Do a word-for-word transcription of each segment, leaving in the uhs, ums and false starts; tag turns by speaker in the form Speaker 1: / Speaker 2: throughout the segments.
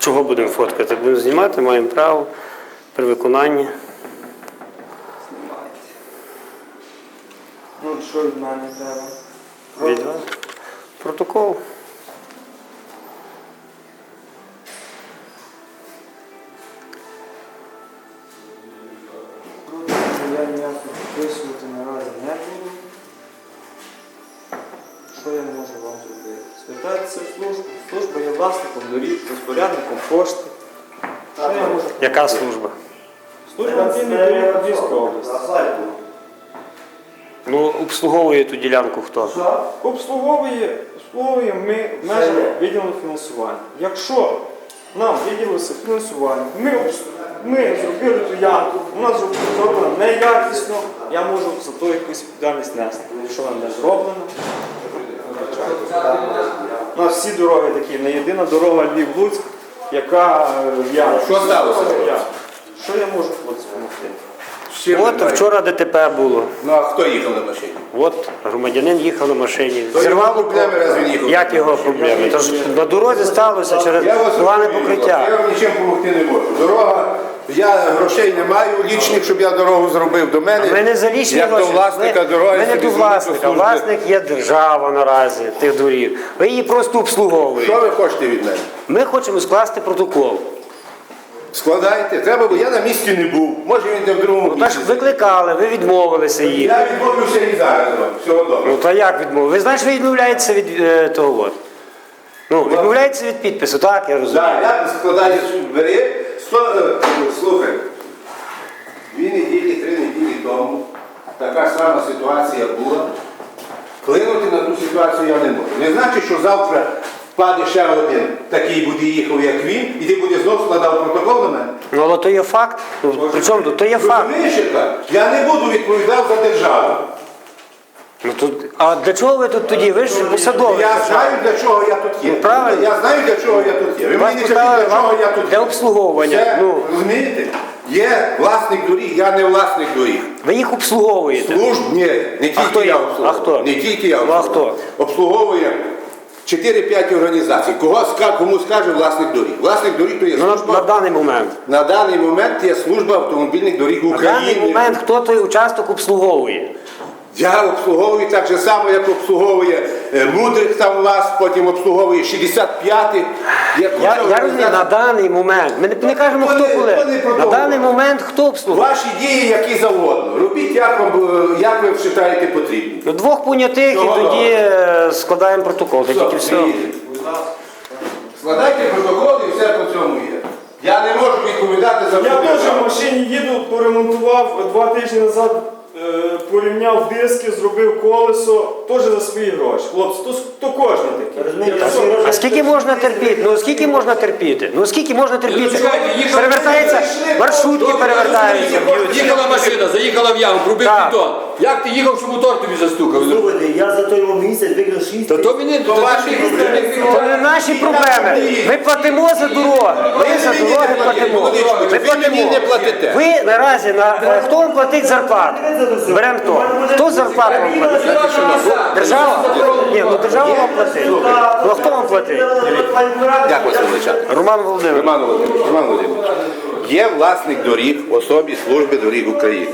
Speaker 1: Чого будемо фоткати? Будемо знімати, маємо право при виконанні.
Speaker 2: Ну, що від мене треба?
Speaker 1: Від вас. Протокол.
Speaker 2: Я ніяко підписувати наразі не буду. Що я можу вам зробити? Спитайтеся в службу. Служба є власником доріг, розпорядником кошти. Що я можу?
Speaker 1: Яка служба?
Speaker 2: Служба цінних доріг Львівської області.
Speaker 1: Ну, обслуговує ту ділянку хто?
Speaker 2: Обслуговує, обслуговуємо ми в межах відділу фінансування. Якщо нам виділилося фінансування, ми, обс- ми зробили ту ямку, у нас зроблено неякісно, я можу за то якусь відповідальність нести. Якщо вона не зроблено, у нас всі дороги такі, не єдина дорога Львів-Луцьк, яка в ямі.
Speaker 3: Що сталося?
Speaker 2: Що я можу хлопці допомогти?
Speaker 1: От вчора ДТП було.
Speaker 3: Ну а хто їхав на машині?
Speaker 1: От громадянин їхав на машині.
Speaker 3: То його
Speaker 1: Зірвало
Speaker 3: проблеми, раз він їхав.
Speaker 1: Як його проблеми? Тож на дорозі сталося через
Speaker 3: Я вас
Speaker 1: погане
Speaker 3: розумію,
Speaker 1: покриття.
Speaker 3: Я вам нічим допомогти не можу. Дорога, я грошей не маю лічних, щоб я дорогу зробив до мене.
Speaker 1: Ми не за лічні
Speaker 3: як
Speaker 1: гроші.
Speaker 3: до власника
Speaker 1: Ми-
Speaker 3: дороги.
Speaker 1: Ми не
Speaker 3: собі
Speaker 1: до власника.
Speaker 3: служби.
Speaker 1: Власник є держава наразі тих доріг. Ви її просто обслуговуєте.
Speaker 3: Що ви хочете від мене?
Speaker 1: Ми хочемо скласти протокол.
Speaker 3: Складайте. Треба, бо я на місці не був. Може він де в другому
Speaker 1: Ну, та ж
Speaker 3: місці.
Speaker 1: викликали, ви відмовилися їх.
Speaker 3: Я відмовлюся і зараз вам. Всього добре.
Speaker 1: Ну то як відмовилися? Ви знаєте, ви відмовляєтеся від е, того от. Ну, відмовляєтеся від підпису, так, я розумію.
Speaker 3: Так, я складаю суд бери. Сто, е, слухай, дві неділі, три неділі тому така сама ситуація була. Вплинути на ту ситуацію я не можу. Не значить, що завтра впаде ще один такий буде їхав, як він, і ти буде знову складав протокол на мене.
Speaker 1: Ну, але то є факт. Ну, причому тут? То є факт.
Speaker 3: Розумієш, яка? Я не буду відповідати за державу.
Speaker 1: Ну, тут, а для чого ви тут тоді? Ви ж посадові.
Speaker 3: Я знаю, для чого я тут є.
Speaker 1: Ну, правильно.
Speaker 3: Я знаю, для чого я тут є. Ви
Speaker 1: Вас
Speaker 3: мені не кажіть,
Speaker 1: поставили
Speaker 3: для чого я тут
Speaker 1: для
Speaker 3: є.
Speaker 1: обслуговування.
Speaker 3: Це,
Speaker 1: Ну.
Speaker 3: розумієте? Є власник доріг, я не власник доріг.
Speaker 1: Ви їх обслуговуєте.
Speaker 3: Служб, ні, не тільки
Speaker 1: хто
Speaker 3: я
Speaker 1: є?
Speaker 3: обслуговую.
Speaker 1: А хто?
Speaker 3: Не тільки я
Speaker 1: Ну, а
Speaker 3: обслуговую.
Speaker 1: хто?
Speaker 3: Обслуговує чотири-п'ять організацій. Кого, ска- кому скаже власник доріг? Власник доріг то є
Speaker 1: Ну, на,
Speaker 3: служба.
Speaker 1: на даний момент.
Speaker 3: На даний момент є служба автомобільних доріг
Speaker 1: На даний
Speaker 3: України.
Speaker 1: момент хто той участок обслуговує?
Speaker 3: Я обслуговую так же само, як обслуговує е, Мудрих там вас, потім обслуговує шістдесят п'ятий.
Speaker 1: Я, я розумію, на даний момент. Ми не, не кажемо, хто
Speaker 3: Вони-
Speaker 1: коли.
Speaker 3: вони
Speaker 1: На
Speaker 3: продовжують.
Speaker 1: даний момент хто обслуговує?
Speaker 3: Ваші дії які завгодно. Робіть, як, вам, е, як ви вважаєте потрібні.
Speaker 1: Ну, двох понятих і
Speaker 3: Чого?
Speaker 1: тоді е, складаємо протокол. Та тільки все.
Speaker 3: Складайте протокол і все по цьому є. Я не можу відповідати за
Speaker 2: Я
Speaker 3: всю
Speaker 2: теж
Speaker 3: державу.
Speaker 2: в машині їду, поремонтував два тижні назад, е, порівняв диски, зробив колесо, теж за свої гроші. Хлопці, то, то кожен такий.
Speaker 1: А скільки можна терпіти? Ну скільки можна терпіти? Ну скільки можна терпіти?
Speaker 4: чекайте, їхав-
Speaker 1: Перевертається, маршрутки перевертаються, б'ються.
Speaker 4: Їхала машина, заїхала в яму, пробив
Speaker 1: Так.
Speaker 4: бетон. Як ти їхав, що мотор тобі застукав?
Speaker 5: Слухайте, я за той місяць викрив шість.
Speaker 4: Та то мені
Speaker 3: То
Speaker 4: то
Speaker 3: ваші
Speaker 4: ти-
Speaker 3: проблеми.
Speaker 1: Це не наші проблеми. Ми платимо за дороги. Ми за дороги платимо. Ми
Speaker 3: Ви мені не
Speaker 1: платимо.
Speaker 3: платите.
Speaker 1: Ви наразі на е, хто вам платить зарплату? Беремо хто? Хто зарплату вам платить? Держава? Ні, ну держава вам платить. Ну а хто вам платить?
Speaker 3: Як вас величати?
Speaker 1: Роман Володимирович.
Speaker 3: Роман Володимирович, Роман Володимирович, є власник доріг в особі Служби доріг України.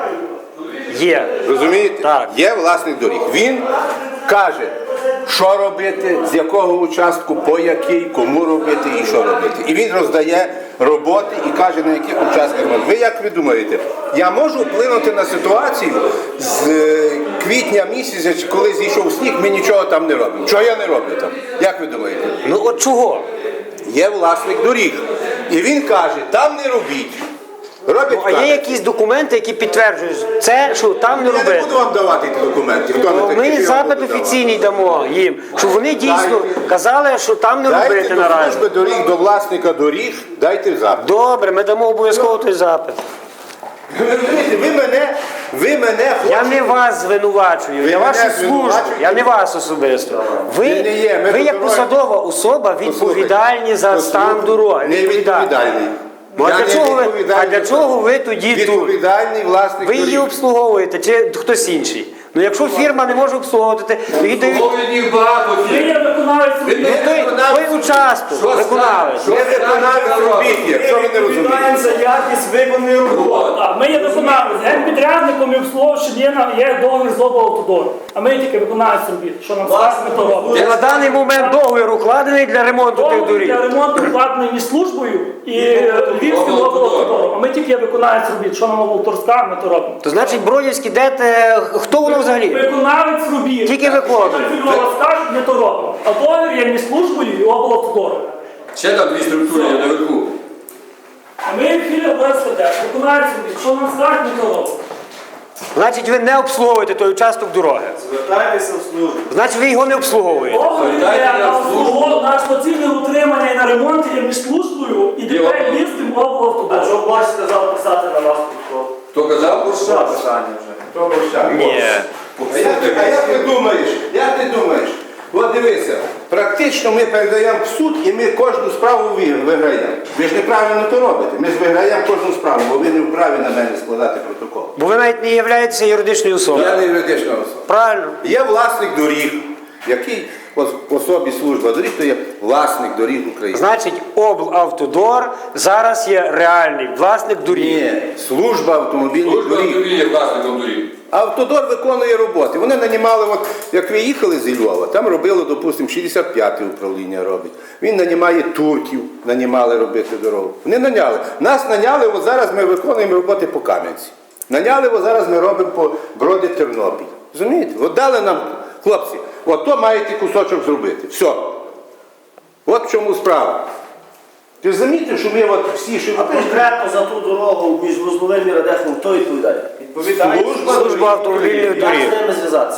Speaker 1: Є.
Speaker 3: Розумієте?
Speaker 1: Так.
Speaker 3: Є власник доріг. Він каже, що робити, з якого участку, по який, кому робити і що робити. І він роздає роботи і каже, на яких участках робити. Ви як ви думаєте, я можу вплинути на ситуацію з е, квітня місяця, чи коли зійшов сніг, ми нічого там не робимо. Чого я не роблю там? Як ви думаєте?
Speaker 1: Ну от чого?
Speaker 3: Є власник доріг. І він каже, там не робіть. Робить
Speaker 1: Ну, а є
Speaker 3: каже.
Speaker 1: якісь документи, які підтверджують це, що там не
Speaker 3: Я не
Speaker 1: робити.
Speaker 3: буду вам давати ті документи. Хто
Speaker 1: Ну,
Speaker 3: не такий,
Speaker 1: ми
Speaker 3: я вам
Speaker 1: запит
Speaker 3: буду
Speaker 1: офіційний дамо їм, щоб вони дійсно
Speaker 3: Дайте.
Speaker 1: казали, що там не
Speaker 3: давати.
Speaker 1: робити
Speaker 3: Дайте до
Speaker 1: наразі.
Speaker 3: служби доріг, до власника доріг, дайте запит.
Speaker 1: Добре, ми дамо обов'язково той запит.
Speaker 3: Ви розумієте, ви мене, ви мене
Speaker 1: Я
Speaker 3: хочете...
Speaker 1: не вас звинувачую,
Speaker 3: Ви
Speaker 1: я
Speaker 3: мене
Speaker 1: вашу службу,
Speaker 3: звинувачуєте?
Speaker 1: я не вас особисто. Ви,
Speaker 3: Ви не є, ми
Speaker 1: ви як
Speaker 3: тут
Speaker 1: посадова особа відповідальні за стан дороги.
Speaker 3: Не відповідальний.
Speaker 1: Ну, а
Speaker 3: Я
Speaker 1: для
Speaker 3: не
Speaker 1: чого ви,
Speaker 3: відповідальний
Speaker 1: а для
Speaker 3: за
Speaker 1: чого
Speaker 3: це.
Speaker 1: ви тоді тут?
Speaker 3: Відповідальний власник
Speaker 1: Ви її
Speaker 3: доріг.
Speaker 1: обслуговуєте чи хтось інший? Ну якщо фірма не може обслуговувати, то їй дають
Speaker 4: Слово від них багато
Speaker 6: Ви
Speaker 4: фірм.
Speaker 6: є виконавець
Speaker 4: Ви
Speaker 6: робіт.
Speaker 4: не
Speaker 1: той,
Speaker 4: виконавець.
Speaker 1: той участок,
Speaker 4: Що
Speaker 1: виконавець.
Speaker 4: скажете?
Speaker 3: Не виконавець робіт, якщо ви не розумієте.
Speaker 2: Відповідаємо за якість виконаної роботи.
Speaker 6: Так, ми є виконавець, генпідрядником і обслуговуючим є, на- є договір з облавтодором. А ми тільки виконавець робіт. Що нам скаже, ми то робимо.
Speaker 1: На даний момент договір укладений для ремонту тих
Speaker 6: Договір
Speaker 1: доріг.
Speaker 6: для ремонту вкладений між службою і Львівським облавтодором. А ми тільки є виконавець робіт. Що нам облавторська, ми то робимо.
Speaker 1: То значить Бродівський, де те, хто воно взагалі?
Speaker 6: Виконавець робіт.
Speaker 1: Тільки виконує.
Speaker 6: Фільмова скажуть, ми то робимо. А договір є між службою і облавтодором.
Speaker 4: Ще там дві структури є наверху.
Speaker 6: А ми філія ОСВД, виконавець робіт. Що нам скажуть, ми то робимо.
Speaker 1: Значить ви не обслуговуєте той участок дороги.
Speaker 2: Звертайтеся в службу.
Speaker 1: Значить ви його не обслуговуєте.
Speaker 6: Договір
Speaker 4: Звертайте
Speaker 6: є
Speaker 4: на
Speaker 6: на
Speaker 4: службу.
Speaker 6: обслуговування, на експлуатаційне утримання і на ремонт є між службою і ДП Львівським
Speaker 5: А
Speaker 6: облавтодором.
Speaker 5: що бачите, сказав писати на вас тут?
Speaker 4: Хто казав?
Speaker 2: Що питання вже?
Speaker 3: Хто борщак?
Speaker 1: Ні.
Speaker 3: А як, ти- а як ти думаєш? Як ти думаєш? От дивися, практично ми передаємо в суд і ми кожну справу ви- виграємо. Ви ж неправильно то робите. Ми ж виграємо кожну справу, бо ви не вправі на мене складати протокол.
Speaker 1: Бо ви навіть не являєтеся юридичною особою.
Speaker 3: Я не юридична особа.
Speaker 1: Правильно.
Speaker 3: Є власник доріг, який в особі служба доріг, то є власник доріг України.
Speaker 1: Значить, облавтодор зараз є реальний власник доріг.
Speaker 3: Ні, служба автомобільних
Speaker 4: Служба
Speaker 3: доріг.
Speaker 4: автомобілів є власником доріг.
Speaker 3: Автодор виконує роботи. Вони нанімали, от, як ви їхали зі Львова, там робили, допустимо, шістдесят п'яте управління робить. Він нанімає турків, нанімали робити дорогу. Вони наняли. Нас наняли, от зараз ми виконуємо роботи по Кам'янці. Наняли, от зараз ми робимо по Броди Тернопіль. Розумієте? От дали нам, хлопці, от то маєте кусочок зробити. Все. От в чому справа. Ти ж замітив, що ми от всі, що
Speaker 5: А конкретно за ту дорогу між Вузловим і Радехом, хто відповідає?
Speaker 2: Відповідає.
Speaker 1: Служба автомобільних
Speaker 5: Як
Speaker 1: доріг.
Speaker 5: з ними зв'язатися?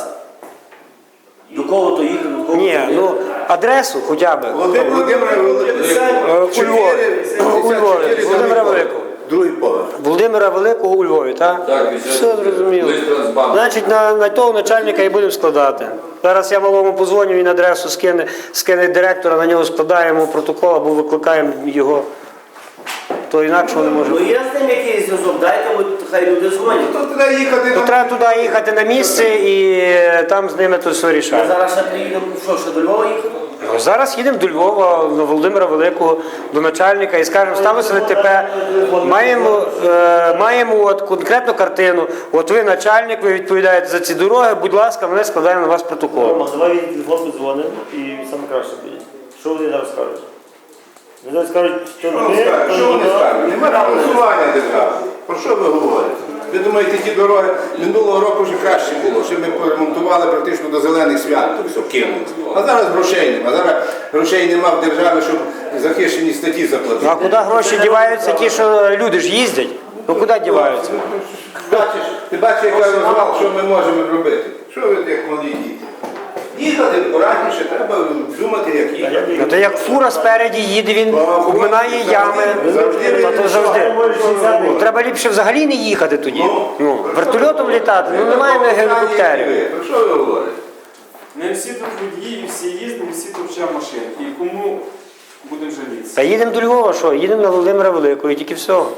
Speaker 5: До кого то їхати, до кого
Speaker 1: Ні,
Speaker 5: то
Speaker 1: ну адресу хоча б.
Speaker 3: Володимир Володимир
Speaker 1: Е, у Львові. У Львові. Володимира Великого.
Speaker 3: Другий поверх.
Speaker 1: Володимира Великого у Львові, так?
Speaker 4: Так,
Speaker 1: Все зрозуміло.
Speaker 4: Лист Трансбанку.
Speaker 1: Значить, на, на того начальника і будемо складати. Зараз я малому позвоню, він адресу скине, скине директора, на нього складаємо протокол або викликаємо його. То інакше не може.
Speaker 5: Ну є з ним якийсь зв'язок, дайте, от хай люди дзвонять.
Speaker 3: То туди їхати
Speaker 1: То
Speaker 3: на
Speaker 1: треба туди їхати на місце і там з ними то все
Speaker 5: Ми
Speaker 1: рішаємо.
Speaker 5: зараз ще приїдемо, що, ще до Львова їхати?
Speaker 1: Ну, Зараз їдемо до Львова, до Володимира Великого, до начальника і скажемо, сталося ДТП, маємо, е, маємо от конкретну картину, от ви начальник, ви відповідаєте за ці дороги, будь ласка, ми складаємо на вас протокол.
Speaker 5: Рома, давай від телефон подзвонимо і саме краще буде. Що вони зараз скажуть? Вони зараз скажуть, що
Speaker 3: Що
Speaker 5: не
Speaker 3: вони
Speaker 5: ми,
Speaker 3: скажуть?
Speaker 5: то
Speaker 3: Що вони
Speaker 5: не
Speaker 3: скажуть? Нема фінансування держави. Про що ви говорите? Ви думаєте, ті дороги минулого року вже краще було, що ми поремонтували практично до зелених свят, то все кинули. А зараз грошей нема. Зараз грошей нема в державі, щоб захищені статті
Speaker 1: Ну а
Speaker 3: заплатити.
Speaker 1: куди гроші діваються, ті, що люди ж їздять? Ну куди діваються?
Speaker 3: Бачиш, ти бачиш, як я розвал, що ми можемо робити? Що ви як малі діти? Їхати акуратніше, треба думати, як їхати.
Speaker 1: Ну то як фура спереді їде, він обминає ями, то, то завжди. Ну, треба ліпше взагалі не їхати тоді. Ну, вертольотом літати, ну немає ми гелікоптерів.
Speaker 3: Про що ви говорите?
Speaker 2: Ми всі тут водії, всі їздимо, всі тут вчимо машин. І кому будемо жалітися?
Speaker 1: Та їдемо до Львова, що? Їдемо на Володимира Великого і тільки всього.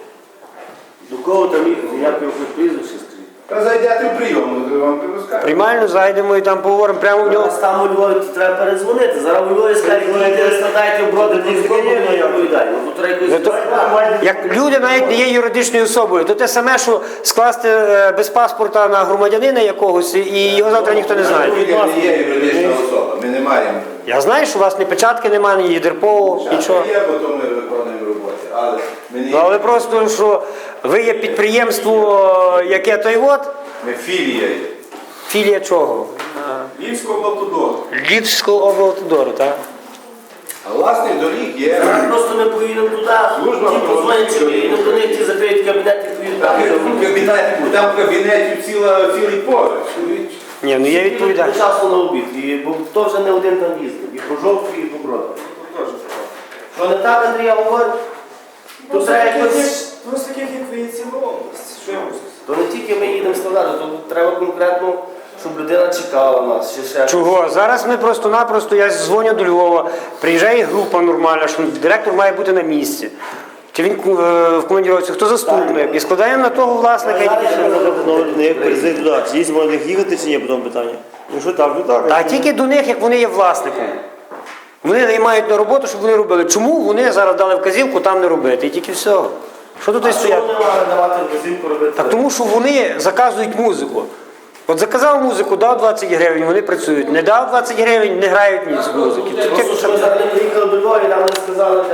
Speaker 5: До кого там їхати, як його прізвище скажіть?
Speaker 3: Та зайдете в прийом, то вам розкажу.
Speaker 1: Приймально зайдемо і там поговоримо прямо в нього.
Speaker 5: Зараз там у Львові треба передзвонити. Зараз у Львові скажуть, ви складаєте в броди, не відповідає. Ну, то треба
Speaker 1: Ну,
Speaker 5: якось...
Speaker 1: то, як люди навіть не є юридичною особою, то те саме, що скласти е, без паспорта на громадянина якогось і його завтра ніхто не знає.
Speaker 3: Ми не є юридична особа, ми не маємо.
Speaker 1: Я знаю, що у вас ні печатки немає, ні ЄДРПО, нічого.
Speaker 3: Є, бо то ми виконуємо роботи, але ми не
Speaker 1: Ну, але просто, що ви є підприємство, е, яке той от,
Speaker 3: ми філія є.
Speaker 1: філія чого?
Speaker 2: Львівського автодору.
Speaker 1: Львівського облавтодору, так?
Speaker 3: А власник доріг є.
Speaker 5: Просто ми поїдемо туди,
Speaker 3: Служба
Speaker 5: ті позвонять, чи поїдемо до них, ті закриють кабінет, і поїдемо
Speaker 3: Там
Speaker 5: там.
Speaker 3: в кабінеті, там в кабінеті ціла, цілий поверх.
Speaker 1: Ні, ну я відповідаю.
Speaker 5: По часу на обід, і, бо то вже не один там їздив, і по жовтку, і по броду. Що не так, Андрій, я говорю? Тут треба якось...
Speaker 2: Просто таких, як ви, є ціла область. Що я можу сказати?
Speaker 5: То не тільки ми їдемо складати, то треба конкретно, щоб людина чекала нас. Чи ще
Speaker 1: Чого? Зараз ми просто-напросто, я дзвоню до Львова, приїжджає група нормальна, що директор має бути на місці. чи він е, в командіровці, хто заступник, і складаємо на того власника. і тільки все.
Speaker 7: Не як приїздить туди. Чи є можна їхати, чи ні, потім питання.
Speaker 2: Якщо так, то так.
Speaker 1: А тільки до них, як вони є власником. Вони наймають на роботу, щоб вони робили. Чому вони зараз дали вказівку там не робити? І тільки все. Що тут і
Speaker 5: А що
Speaker 1: стоять?
Speaker 5: вони мали давати вказівку робити?
Speaker 1: Так тому що вони заказують музику. От заказав музику, дав двадцять гривень, вони працюють. Не дав двадцять гривень, не грають ніч з музики.
Speaker 5: Просто, що ми зараз не приїхали до Львова і нам не сказали,